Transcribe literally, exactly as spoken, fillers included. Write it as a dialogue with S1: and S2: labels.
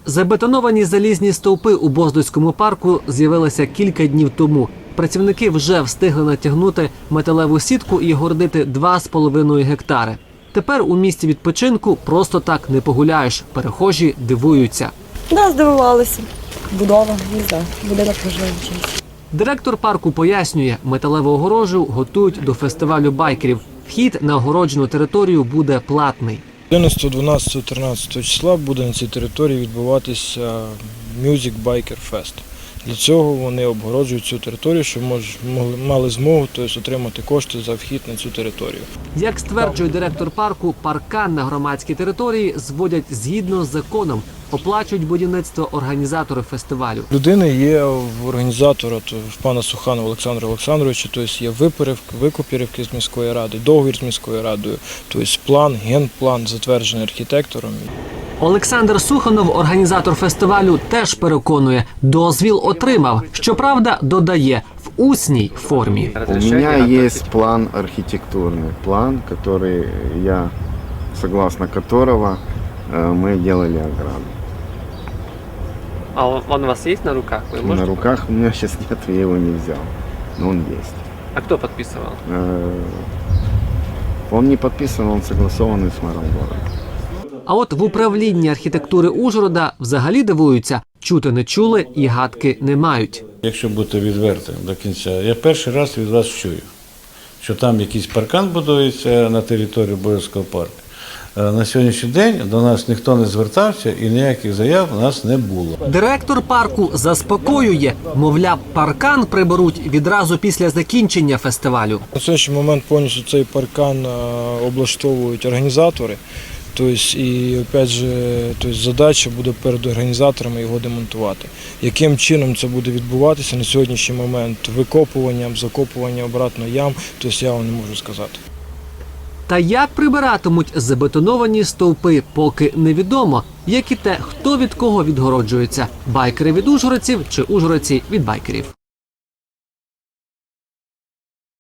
S1: Забетоновані залізні стовпи у Боздуському парку з'явилися кілька днів тому. Працівники вже встигли натягнути металеву сітку і гордити два з половиною гектари. Тепер у місці відпочинку просто так не погуляєш. Перехожі дивуються.
S2: Да, здивувалися. Будова, не знаю, будинок можливо чимось.
S1: Директор парку пояснює, металеву огорожу готують до фестивалю байкерів. Вхід на огороджену територію буде платний.
S3: одинадцятого, дванадцятого, тринадцятого числа буде на цій території відбуватися Music Biker Fest. Для цього вони обгороджують цю територію, щоб мож, мали змогу тобто, отримати кошти за вхід на цю територію.
S1: Як стверджує директор парку, паркан на громадській території зводять згідно з законом. Оплачують будівництво організатори фестивалю.
S3: Людини є в організатора, то в пана Суханова Олександра Олександровича, тобто є викупівки з міської ради, договір з міською радою, тобто план, генплан затверджений архітектором.
S1: Олександр Суханов, організатор фестивалю, теж переконує, дозвіл отримав. Щоправда, додає, в усній формі.
S4: У меня есть план архитектурный, план, который я, согласно которого мы делали ограду.
S5: А он, он у вас есть на руках? Вы можете...
S4: На руках у меня сейчас нет, я его не взял, но он есть.
S5: А кто подписывал?
S4: Он не подписан, он согласованный с мэром города.
S1: А от в управлінні архітектури Ужгорода взагалі дивуються, чути не чули і гадки не мають.
S6: Якщо бути відвертим до кінця, я перший раз від вас чую, що там якийсь паркан будується на території Боярського парку. На сьогоднішній день до нас ніхто не звертався і ніяких заяв у нас не було.
S1: Директор парку заспокоює, мовляв, паркан приберуть відразу після закінчення фестивалю.
S3: На сьогоднішній момент повністю цей паркан облаштовують організатори. Тобто, і опять же, тобто, задача буде перед організаторами його демонтувати. Яким чином це буде відбуватися на сьогоднішній момент, викопуванням, закопуванням обратно ям, тобто я вам не можу сказати.
S1: Та як прибиратимуть забетоновані стовпи, поки невідомо, як і те, хто від кого відгороджується – байкери від ужгородців чи ужгородці від байкерів.